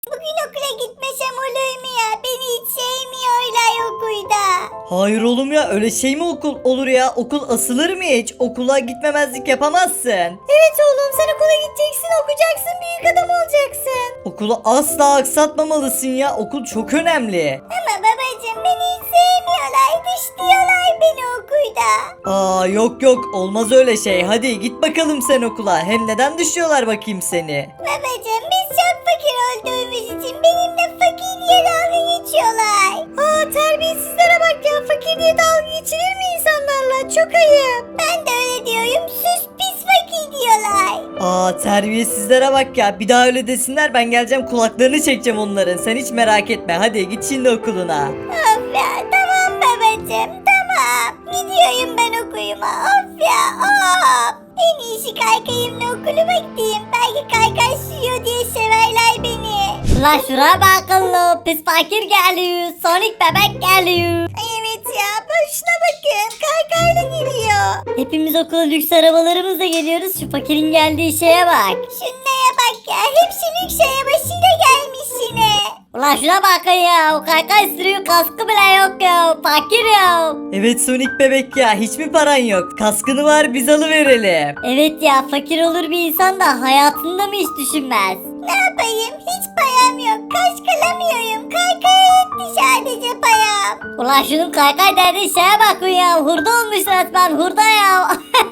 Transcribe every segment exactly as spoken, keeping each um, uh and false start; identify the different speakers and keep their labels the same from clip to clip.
Speaker 1: Bugün okula gitmesem olur mu ya? Beni hiç sevmiyorlar okulda.
Speaker 2: Hayır oğlum ya, öyle şey mi okul olur ya? Okul asılır mı hiç? Okula gitmemezlik yapamazsın.
Speaker 1: Evet oğlum, sen okula gideceksin, okuyacaksın, büyük adam olacaksın.
Speaker 2: Okulu asla aksatmamalısın ya. Okul çok önemli.
Speaker 1: Ama babacığım beni hiç sevmiyorlar, dışlıyorlar beni okulda.
Speaker 2: Aa yok yok, olmaz öyle şey. Hadi git bakalım sen okula. Hem neden düşüyorlar bakayım seni?
Speaker 1: Babacığım biz çok fakir olduğumuz için benimle fakir diye dalga geçiyorlar. Aa terbiyesizlere bak ya, fakir diye dalga geçilir mi insanlarla? Çok ayıp. Ben de öyle diyorum, sus pis fakir diyorlar.
Speaker 2: Aa terbiyesizlere bak ya. Bir daha öyle desinler, ben geleceğim kulaklarını çekeceğim onların. Sen hiç merak etme. Hadi git şimdi okuluna.
Speaker 1: Of ya, tamam babacığım tamam. Gidiyorum ben okuluma, of ya of. En iyisi kaykayımla okuluma gideyim. Belki kaykay sürüyor diye severler beni.
Speaker 3: La şuraya bakın, pis fakir geliyor, Sonic bebek geliyor.
Speaker 1: Ay evet ya, boşuna bakın, kaykayla geliyor.
Speaker 3: Hepimiz okula lüks arabalarımızla geliyoruz, şu fakirin geldiği şeye bak.
Speaker 1: Şunlara bak ya, hepsi lüks arabasıyla gelmiş yine.
Speaker 3: Ulan şuna bakın ya, o kaykay sürüyor, kaskı bile yok ya, fakir ya.
Speaker 2: Evet Sonic bebek ya, hiç mi paran yok? Kaskını var, biz alıverelim.
Speaker 3: Evet ya, fakir olur bir insan da hayatında mı hiç düşünmez?
Speaker 1: Ne yapayım, hiç param yok, kaş kalamıyorum, kaykaya yetti sadece param.
Speaker 3: Ulan şunun kaykay derdi şeye bakın ya, hurda olmuş resmen, hurda ya.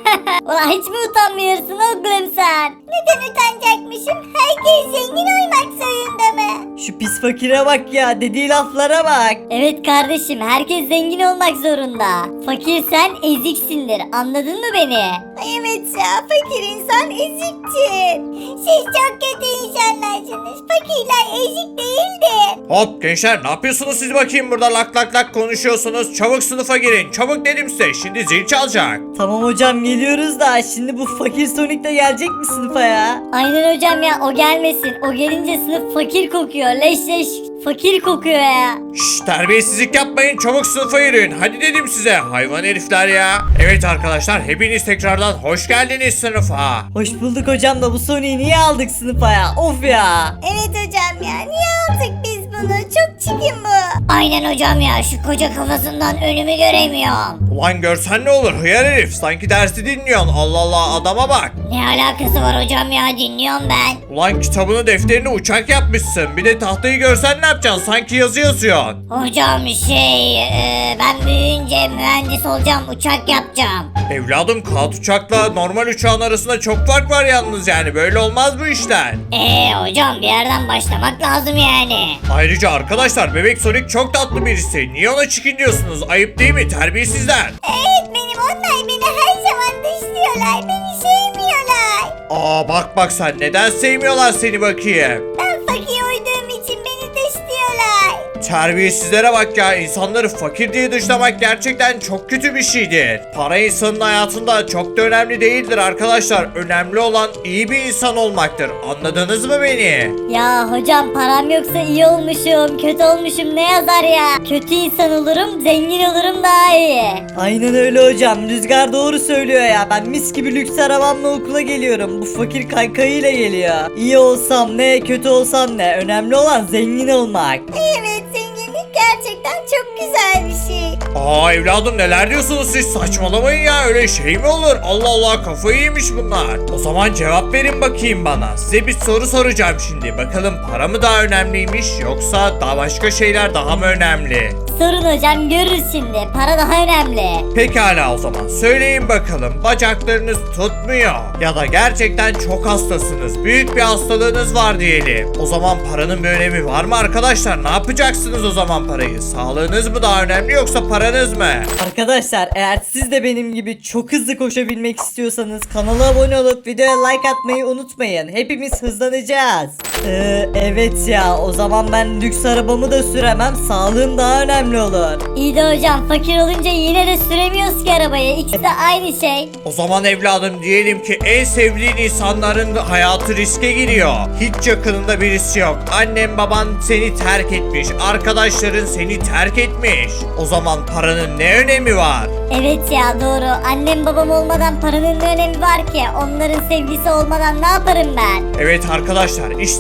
Speaker 3: Ulan hiç mi utanmıyorsun oğlum sen?
Speaker 1: Neden utanacakmışım, herkes zengin olmak zorunda mı?
Speaker 2: Şu pis fakire bak ya, dediği laflara bak.
Speaker 3: Evet kardeşim, herkes zengin olmak zorunda. Fakir sen eziksindir, anladın mı beni?
Speaker 1: Ay evet ya, fakir insan eziktir. Siz çok kötü insanlarsınız, fakirler ezik değildir.
Speaker 4: Hop gençler, ne yapıyorsunuz siz bakayım burada lak lak lak konuşuyorsunuz. Çabuk sınıfa girin. Çabuk dedim size. Şimdi zil çalacak.
Speaker 2: Tamam hocam, geliyoruz da şimdi bu fakir Sonic de gelecek mi sınıfa ya?
Speaker 3: Aynen hocam ya, o gelmesin. O gelince sınıf fakir kokuyor. Leş leş fakir kokuyor ya.
Speaker 4: Şşş, terbiyesizlik yapmayın. Çabuk sınıfa girin. Hadi dedim size. Hayvan herifler ya. Evet arkadaşlar, hepiniz tekrardan hoş geldiniz sınıfa.
Speaker 2: Hoş bulduk hocam da bu Sonic'i niye aldık sınıfa ya? Of ya.
Speaker 1: Evet hocam ya, niye aldık biz bunu? Çok çirkin bu.
Speaker 3: Aynen hocam ya, şu koca kafasından önümü göremiyorum.
Speaker 4: Ulan görsen ne olur hıyar herif. Sanki dersi dinliyorsun. Allah Allah, adama bak.
Speaker 3: Ne alakası var hocam ya, dinliyorum ben.
Speaker 4: Ulan kitabını defterini uçak yapmışsın. Bir de tahtayı görsen ne yapacaksın? Sanki yazı yazıyorsun.
Speaker 3: Hocam şey, e, ben büyüyünce mühendis olacağım, uçak yapacağım.
Speaker 4: Evladım, kağıt uçakla normal uçağın arasında çok fark var yalnız yani. Böyle olmaz bu işler.
Speaker 3: Eee hocam, bir yerden başlamak lazım yani.
Speaker 4: Ayrıca arkadaşlar, Bebek Sonic çok tatlı birisi. Niye ona çekiniyorsunuz? Ayıp değil mi? Terbiyesizler.
Speaker 1: Evet benim, onlar beni her zaman dışlıyorlar, beni sevmiyorlar.
Speaker 4: Aa bak bak sen, neden sevmiyorlar seni bakayım?
Speaker 1: Ben fakir olduğum için beni dışlıyorlar.
Speaker 4: Terbiyesizlere bak ya, insanları fakir diye dışlamak gerçekten çok kötü bir şeydir. Para insanın hayatında çok da önemli değildir arkadaşlar. Önemli olan iyi bir insan olmaktır. Anladınız mı beni?
Speaker 3: Ya hocam, param yoksa iyi olmuşum, kötü olmuşum ne yazar ya? Kötü insan olurum, zengin olurum daha iyi.
Speaker 2: Aynen öyle hocam. Rüzgar doğru söylüyor ya. Ben mis gibi lüks arabamla okula geliyorum. Bu fakir kaykayıyla geliyor. İyi olsam ne, kötü olsam ne. Önemli olan zengin olmak.
Speaker 1: Evet, zenginlik gerçekten çok güzel bir şey.
Speaker 4: Aa evladım, neler diyorsunuz siz? Saçmalamayın ya, öyle şey mi olur? Allah Allah, kafayı yemiş bunlar. O zaman cevap verin bakayım bana. Size bir soru soracağım şimdi. Bakalım para mı daha önemliymiş, yoksa daha başka şeyler daha mı önemli?
Speaker 3: Sorun hocam, görürüz şimdi, para daha önemli.
Speaker 4: Pekala o zaman söyleyin bakalım, bacaklarınız tutmuyor ya da gerçekten çok hastasınız, büyük bir hastalığınız var diyelim. O zaman paranın bir önemi var mı arkadaşlar? Ne yapacaksınız o zaman parayı? Sağlığınız mı daha önemli yoksa paranız mı?
Speaker 2: Arkadaşlar, eğer siz de benim gibi çok hızlı koşabilmek istiyorsanız kanala abone olup videoya like atmayı unutmayın. Hepimiz hızlanacağız. Ee, evet ya, o zaman ben lüks arabamı da süremem. Sağlığım daha önemli olur.
Speaker 3: İyi de hocam, fakir olunca yine de süremiyoruz ki arabayı, ikisi de aynı şey.
Speaker 4: O zaman evladım, diyelim ki en sevdiğin insanların hayatı riske giriyor. Hiç yakınında birisi yok. Annen baban seni terk etmiş. Arkadaşların seni terk etmiş. O zaman paranın ne önemi var?
Speaker 3: Evet ya, doğru, annem babam olmadan paranın ne önemi var ki? Onların sevgisi olmadan ne yaparım ben?
Speaker 4: Evet arkadaşlar, işte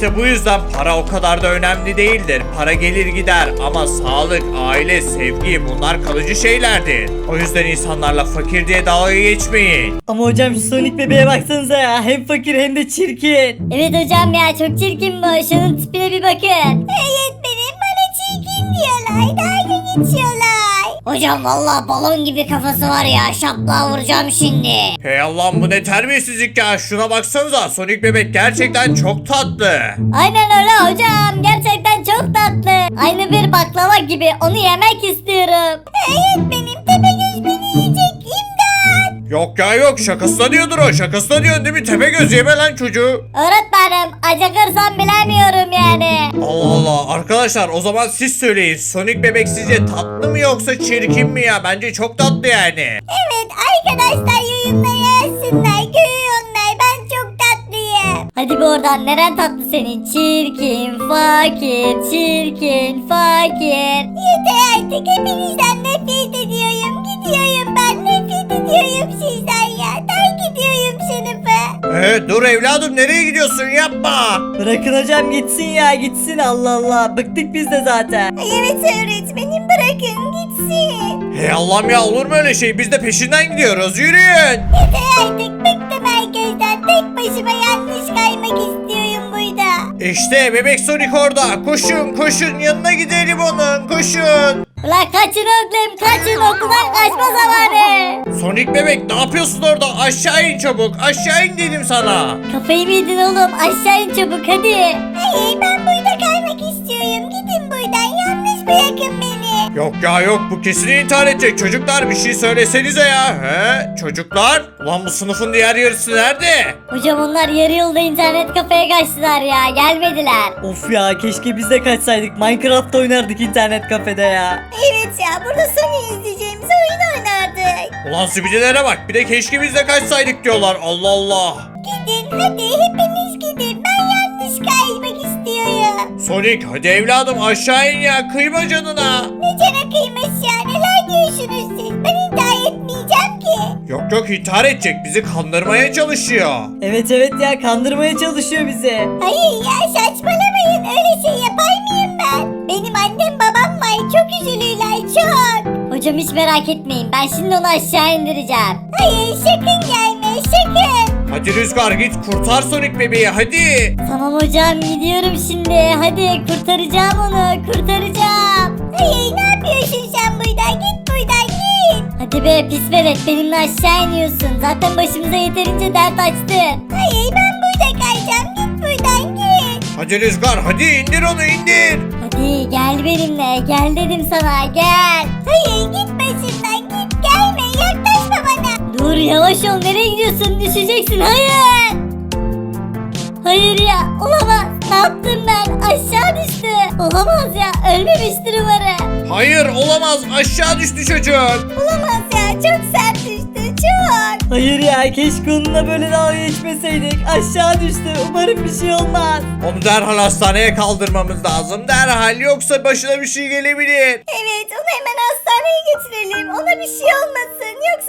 Speaker 4: İşte bu yüzden para o kadar da önemli değildir. Para gelir gider ama sağlık, aile, sevgi bunlar kalıcı şeylerdir. O yüzden insanlarla fakir diye dalga geçmeyin.
Speaker 2: Ama hocam şu Sonic bebeğe baksanıza ya. Hem fakir hem de çirkin.
Speaker 3: Evet hocam ya çok çirkin bu. Şunun tipine bir bakın.
Speaker 1: Öğretmenim bana çirkin diyorlar. Dalga geçiyorlar.
Speaker 3: Hocam vallahi balon gibi kafası var ya. Şaplığa vuracağım şimdi.
Speaker 4: Hey Allah'ım bu ne terbiyesizlik ya. Şuna baksanıza Sonic bebek gerçekten çok tatlı.
Speaker 3: Aynen öyle hocam. Gerçekten çok tatlı. Aynı bir baklava gibi. Onu yemek istiyorum.
Speaker 1: Öğretmenim Tepegöz beni yiyecek. İmdat.
Speaker 4: Yok ya yok şakasına diyordur o. Şakasına diyorsun değil mi? Tepegöz yeme lan çocuğu.
Speaker 3: Öğretmenim acıkırsam bilemiyorum yani.
Speaker 4: Allah Allah. Arkadaşlar o zaman siz söyleyin. Sonic bebek sizce tatlı mı yoksa çirkin mi ya? Bence çok tatlı yani.
Speaker 1: Evet arkadaşlar yorumlara yazsınlar. Görüyorlar ben çok tatlıyım.
Speaker 3: Hadi bir oradan neren tatlı senin? Çirkin, fakir, çirkin, fakir.
Speaker 1: Yeter artık hepinizden nefret ediyorum. Gidiyorum ben nefret ediyorum sizden ya. Terk ediyorum sınıfı.
Speaker 4: Ee, dur evladım nereye gidiyorsun yapma.
Speaker 2: Bırakın hocam gitsin ya gitsin Allah Allah. Bıktık biz de zaten.
Speaker 1: Ay evet öğretmenim bırakın gitsin.
Speaker 4: Hey Allah'ım ya olur mu öyle şey? Biz de peşinden gidiyoruz. Yürüyün.
Speaker 1: Yeter artık bıktım herkesten. Tek başıma yanlış kaymak istiyorum burada.
Speaker 4: İşte bebek Sonic orada. Koşun koşun yanına gidelim onun. Koşun.
Speaker 3: Ulan kaçın oğlum kaçın okuldan kaçma zamanı.
Speaker 4: Sonic bebek ne yapıyorsun orada? Aşağı in çabuk. Aşağı in dedim sana.
Speaker 3: Kafayı mı yedin oğlum aşağı in çabuk hadi.
Speaker 1: Hayır ben burada kaymak istiyorum. Gidin buradan yalnız bırakın beni.
Speaker 4: Yok ya yok bu kesin intihar edecek. Çocuklar bir şey söylesenize ya. He? Çocuklar? Ulan bu sınıfın diğer yarısı nerede?
Speaker 3: Hocam onlar yarı yolda internet kafeye kaçtılar ya gelmediler.
Speaker 2: Of ya keşke biz de kaçsaydık. Minecraft oynardık internet kafede ya.
Speaker 1: Evet ya burada Sony izleyeceğimiz oyun oynardık.
Speaker 4: Ulan sübicilere bak bir de keşke biz de kaçsaydık diyorlar. Allah Allah.
Speaker 1: Gidin hadi hepiniz gidin. Ben yanlış kaymak istiyorum.
Speaker 4: Sonic hadi evladım aşağı in ya. Kıyma canına.
Speaker 1: Ne cana kıymış ya neler diyorsunuz siz? Ben intihar etmeyeceğim ki.
Speaker 4: Yok yok intihar edecek. Bizi kandırmaya çalışıyor.
Speaker 2: Evet evet ya kandırmaya çalışıyor bizi.
Speaker 1: Hayır ya saçmalamayın öyle şey yapar mıyım ben? Benim annem babam var çok üzülürler çok.
Speaker 3: Hocam hiç merak etmeyin ben şimdi onu aşağı indireceğim.
Speaker 1: Hayır sakın gelme sakın.
Speaker 4: Hadi Rüzgar git kurtar Sonic bebeği hadi.
Speaker 3: Tamam hocam gidiyorum şimdi hadi kurtaracağım onu kurtaracağım.
Speaker 1: Hayır ne yapıyorsun sen buradan git buradan git.
Speaker 3: Hadi be pis velet benimle aşağı iniyorsun zaten başımıza yeterince dert açtın.
Speaker 1: Hayır ben burada kayacağım git buradan git.
Speaker 4: Hadi Rüzgar hadi indir onu indir.
Speaker 3: Hadi gel benimle gel dedim sana gel.
Speaker 1: Hayır git başımdan git gelme yaklaşma bana.
Speaker 3: Dur yavaş ol nereye gidiyorsun düşeceksin hayır. Hayır ya olamaz ne yaptım ben aşağı düştü. Olamaz ya ölmemiştir umarım.
Speaker 4: Hayır olamaz aşağı düştü çocuk.
Speaker 1: Olamaz ya çok sert düştü çok.
Speaker 2: Hayır ya keşke onunla böyle dalga geçmeseydik. Aşağı düştü. Umarım bir şey olmaz.
Speaker 4: Onu derhal hastaneye kaldırmamız lazım. Derhal yoksa başına bir şey gelebilir.
Speaker 1: Evet onu hemen hastaneye götürelim ona bir şey olmasın yoksa